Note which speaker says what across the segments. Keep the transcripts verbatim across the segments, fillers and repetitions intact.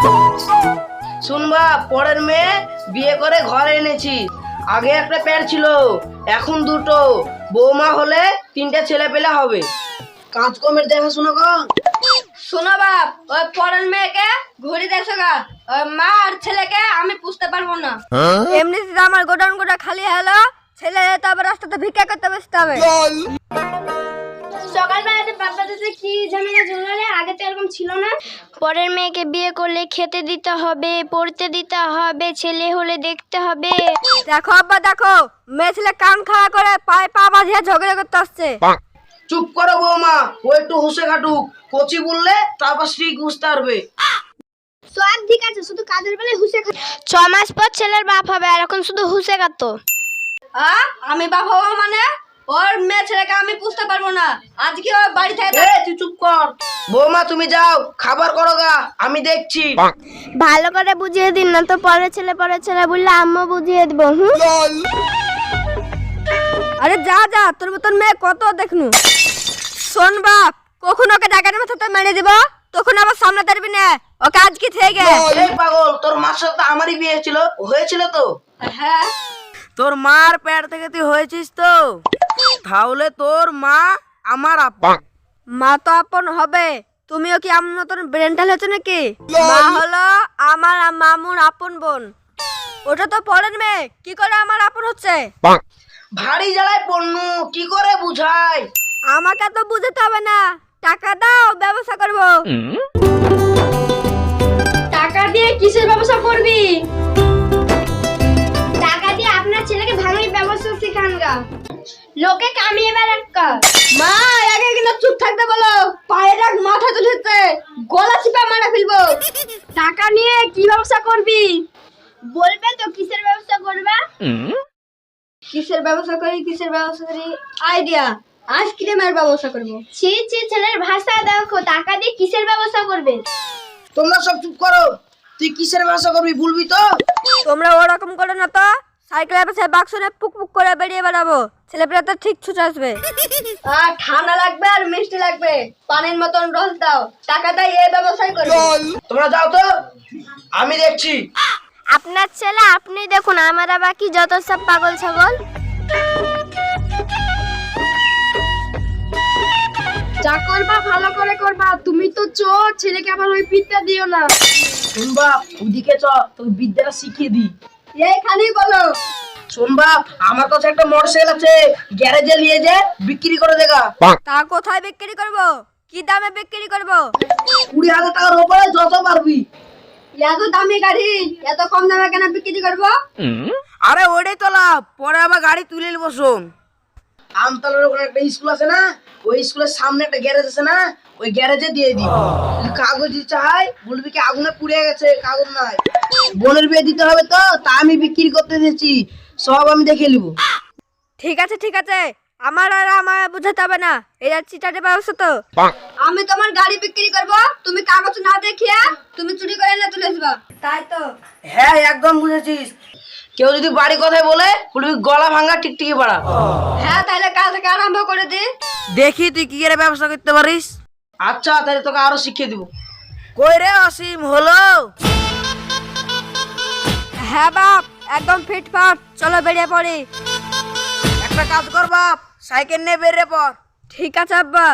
Speaker 1: শুনবা, পরের মেয়ে বিয়ে করে ঘরে এনেছি। আগে একটা প্যার ছিল, এখন দুটো। বৌমা হলে তিনটে ছেলে পেলে হবে। কাজকর্মের দেখাশোনা কর।
Speaker 2: শোনো বাপ, ওই পরের মেয়েকে ঘুরি দেখছো গা, ওই মা আর ছেলেকে আমি পুষতে পারবো না। এমনিতে আমার গোডাউন গোটা খালি হলো, ছেলে তো আবার রাস্তাতে ভিক্ষা করতে বসতে হবে।
Speaker 3: সকালবেলাতে বাবা দাদা কি ঝামেলা জঙ্গলে, আগে তো এরকম ছিল না। পরের মেয়েকে বিয়ে করলে খেতে দিতে হবে, পড়তে দিতে হবে, ছেলে হলে দেখতে হবে।
Speaker 2: দেখো আব্বা দেখো, মেয়ে ছেলে কান খাওয়া করে পায়ে পা বাঁধিয়ে ঝগড়া করতে আসছে।
Speaker 1: চুপ করো বৌমা, ও একটু হুঁসে খাটুক। কচি বললে তারপর স্ত্রী বুঝতে পারবে।
Speaker 3: সব ঠিক আছে, শুধু কাজের বেলায় হুসে খা। ছ মাস পর ছেলের বাপ হবে, আর এখন শুধু হুসে খাতো।
Speaker 2: আ আমি বাপ হবো মানে? ওর মেয়ে ছেলেকে আমি পুষতে পারবো না। আজকে ওর বাড়ি থেকে
Speaker 1: এ তুই চুপ কর। বৌমা তুমি যাও, খাবার করো গা, আমি দেখছি।
Speaker 3: ভালো করে বুঝিয়ে দিন, না তো পরের ছেলে পরের ছেলে বললে আম্মু বুঝিয়ে দেবো। হুম,
Speaker 2: আরে যা যা, তোর মতন মেয়ে কত দেখনু। শোন বাপ, কখন ওকে ডাকার মাথাতে মেরে দিব, তখন আবার সামনে দাঁড়বি না। ওকে আজকে থেকে।
Speaker 1: এই পাগল, তোর মার সাথে তো আমারই বিয়ে ছিল, হয়েছিল তো?
Speaker 2: হ্যাঁ,
Speaker 1: তোর মার পেট থেকে তুই হয়েছিস তো, তাহলে তোর মা আমার আপন।
Speaker 2: মা তো আপন হবে, তুমিও কি আমার মতন ব্রেন্টাল হচ্ছে নাকি? মা হলো আমার আর মামুর আপন বোন। ওটা তো পরের মেয়ে, কি করে আমার আপন হচ্ছে?
Speaker 1: ভারী জ্বালায় পণ্যু, কি করে বুঝাই?
Speaker 2: আমাকে তো বুঝতে হবে না, টাকা দাও, ব্যবসা করবো।
Speaker 3: টাকা দিয়ে কিসের ব্যবসা করবি? টাকা দিয়ে আপনার ছেলেকে ভাঙির ব্যবসা শিখান গা, লোকে কামিয়ে বেড়াক্কা।
Speaker 2: মা আগে কিন্তু চুপ থাকতে বলো, পায়ে রাখ, মাথা তুলেছে, গলা চিপা মারা ফেলবো।
Speaker 3: টাকা নিয়ে কি ব্যবসা করবি? বলবে তো কিসের ব্যবসা করবে?
Speaker 2: কিসের ব্যবসা করি, কিসের ব্যবসা করি? আইডিয়া, আইসক্রিমের ব্যবসা করবো।
Speaker 3: ছি ছি, ছেলের ভাষা দেখো, টাকা দিয়ে কিসের ব্যবসা করবে?
Speaker 1: তোমরা সব চুপ করো। তুই কিসের ব্যবসা করবি বলবি তো?
Speaker 2: তোমরা ওরকম করো না তো, সাইকেলের পাশে বাক্স নিয়ে পুক পুক করে বেরিয়ে বেড়াবো, ছেলেপেলে তো ঠিক ছুটে আসবে। আর ঠান্ডা লাগবে আর মিষ্টি লাগবে, পানির মতন রস দাও, টাকা দাই, এই ব্যবসায় করবো।
Speaker 1: তোমরা যাও তো, আমি দেখছি।
Speaker 3: আপনার ছেলে আপনি দেখুন, আমরা বাকি যত সব পাগল ছাগল।
Speaker 2: যা করবা ভালো করে করবা, তুমি তো চোর, ছেলেকে আবার ওই বিদ্যা দিও না।
Speaker 1: শুনবা, ওদিকে চ, তোর বিদ্যাটা শিখিয়ে দি।
Speaker 2: এইখানেই বলো।
Speaker 1: শুনবা, আমার কাছে একটা মোটরসাইকেল আছে, গ্যারেজে নিয়ে যে বিক্রি করে দেখা।
Speaker 2: তা কোথায় বিক্রি করবো, কি দামে বিক্রি করবো?
Speaker 1: কুড়ি হাজার টাকার উপরে যত পারবি।
Speaker 2: এত দামি গাড়ি এত কম দামে কেন বিক্রি করবো?
Speaker 1: আরে ওইটাই তো লাভ, পরে আবার গাড়ি তুলে বসো। আমতলার ওখানে একটা স্কুল আছে না, ওই স্কুলের সামনে একটা গ্যারেজ আছে না, ওই গ্যারেজে দিয়ে দিই। কাগজ চাই, বলবি কি আগুনে পুড়ে গেছে, কাগজ নাই। বোনের বিয়ে দিতে হবে তো, তা আমি বিক্রি করতে দিয়েছি, সব আমি দেখে নিব।
Speaker 2: ঠিক আছে ঠিক আছে, আমার আর আমার বুঝাতে হবে না, এটা চিটারের ব্যবস্থা তো। আমি তোমার গাড়ি বিক্রি করবো, তুমি কাগজ না দেখিয়ে তুমি চুরি করে না তুলে আসবা, তাই তো?
Speaker 1: হ্যাঁ একদম বুঝেছিস। কেউ যদি বাড়ি কথায় বলে, বলবি গলা ভাঙা টিকটিকি পাড়া।
Speaker 2: হ্যাঁ, তাহলে কাল থেকে আরম্ভ করে দি।
Speaker 1: দেখি তুই কি করে ব্যবসা করতে পারিস। আচ্ছা, তাহলে তোকে আরো শিখিয়ে দিব। কই রে অসীম, হলো?
Speaker 2: হ্যাঁ বাপ, একদম ফিটফাট, চলো বেরিয়ে পড়ি।
Speaker 1: একটা কাজ কর বাপ, সাইকেল নিয়ে বেরিয়ে পর।
Speaker 2: ঠিক আছে আব্বা।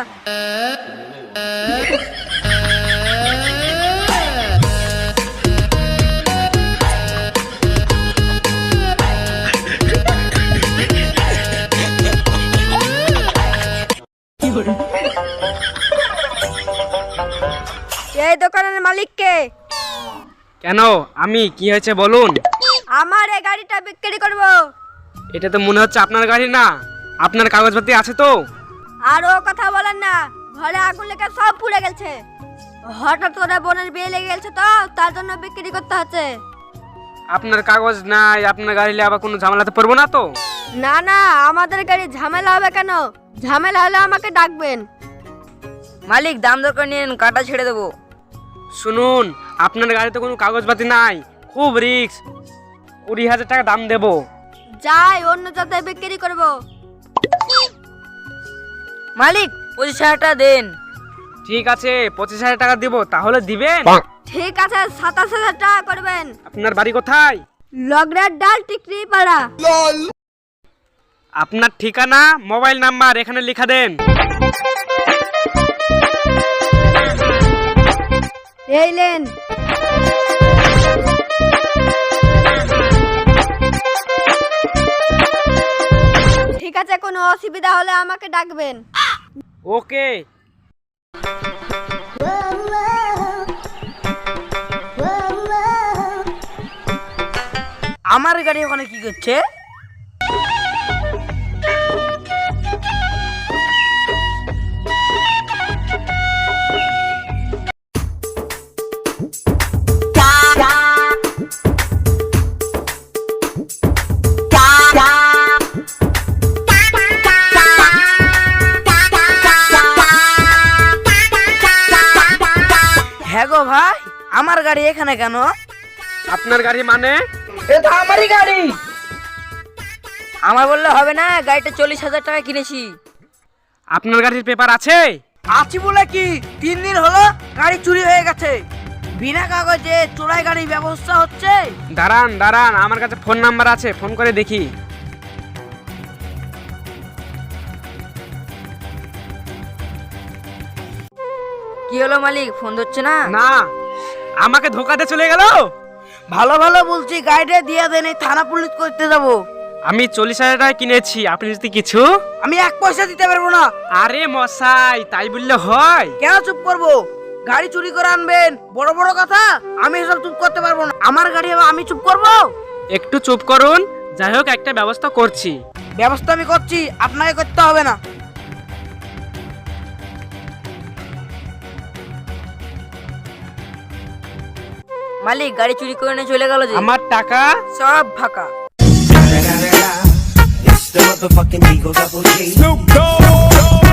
Speaker 2: এই দোকানের মালিক কে?
Speaker 4: কেন, আমি? কি হয়েছে বলুন।
Speaker 2: আমার এই গাড়িটা বিক্রি করব।
Speaker 4: এটা তো মনে হচ্ছে আপনার গাড়ি না, আপনার কাগজপত্র আছে তো?
Speaker 2: আর ও কথা বলেন না, ঘরে আগুন লেগে সব পুড়ে গেছে। হঠাৎ করে বোনের বিয়ে লেগে গেছে তো, তার জন্য বিক্রি করতে হচ্ছে।
Speaker 4: আপনার কাগজ নাই, আপনার গাড়ি নিয়ে আবার কোনো ঝামেলাতে পড়বো না তো?
Speaker 2: না না, আমাদের গাড়ি ঝামেলা হবে কেন? ঝামেলা হলে আমাকে ডাকবেন।
Speaker 1: মালিক দাম দরকার নিন, কাটা ছেড়ে দেবো।
Speaker 4: শুনুন, আপনার গাড়িতে কোনো কাগজপাতি নাই, খুব রিস্ক। কুড়ি হাজার টাকা দাম দেবো।
Speaker 2: যাই অন্য জায়গায় বিক্রি করব।
Speaker 1: মালিক পঁচিশ হাজার টাকা দেন।
Speaker 4: ঠিক আছে, পঁচিশ হাজার টাকা দিব, তাহলে দিবেন?
Speaker 2: ঠিক আছে, সাতাশ হাজার টাকা করবেন।
Speaker 4: আপনার বাড়ি কোথায়?
Speaker 2: লগড়ার ডাল টিকরি পাড়া।
Speaker 4: আপনার ঠিকানা, মোবাইল নাম্বার এখানে লিখা দেন।
Speaker 2: এই লেন। ঠিক আছে, কোনো অসুবিধা হলে আমাকে ডাকবেন।
Speaker 4: ওকে।
Speaker 1: আমার গাড়ি ওখানে কি করছে? হ্যাঁ গো ভাই, আমার গাড়ি এখানে কেন?
Speaker 4: আপনার গাড়ি মানে?
Speaker 1: এটা আমারই গাড়ি।
Speaker 2: আমার বললে হবে না, গাড়িটা চল্লিশ হাজার টাকা কিনেছি।
Speaker 4: আপনার গাড়ির পেপার আছে?
Speaker 1: আছি বলে কি, তিন দিন হলো গাড়ি চুরি হয়ে গেছে। বিনা কাগজে চোরাই গাড়ির ব্যবস্থা হচ্ছে।
Speaker 4: দাঁড়ান দাঁড়ান, আমার কাছে ফোন নাম্বার আছে, ফোন করে দেখি।
Speaker 2: কি হলো মালিক, ফোন ধরছে না?
Speaker 4: না, আমাকে ধোকাতে চলে গেল।
Speaker 1: ভালো ভালো বলছি, গাড়িটা দিয়ে দেন, এই থানা পুলিশ করতে যাবো।
Speaker 4: আমি চল্লিশ হাজার টাকা কিনেছি, আপনি যদি কিছু।
Speaker 1: আমি এক পয়সা দিতে পারবো না।
Speaker 4: আরে মশাই, তাই বললে হয়?
Speaker 1: কেন চুপ করবো? গাড়ি চুরি করে আনবেন, বড় বড় কথা। আমি এসব চুপ করতে পারবো না। আমার গাড়ি হবে, আমি চুপ করবো?
Speaker 4: একটু চুপ করুন, যাই হোক একটা ব্যবস্থা করছি।
Speaker 1: ব্যবস্থা আমি করছি, আপনাকে করতে হবে না।
Speaker 2: মালিক, গাড়ি চুরি করে নিয়ে চলে গেল যে।
Speaker 4: আমার টাকা
Speaker 2: সব ফাঁকা।
Speaker 5: It's the motherfucking Eagle Double G. Snoop Dogg.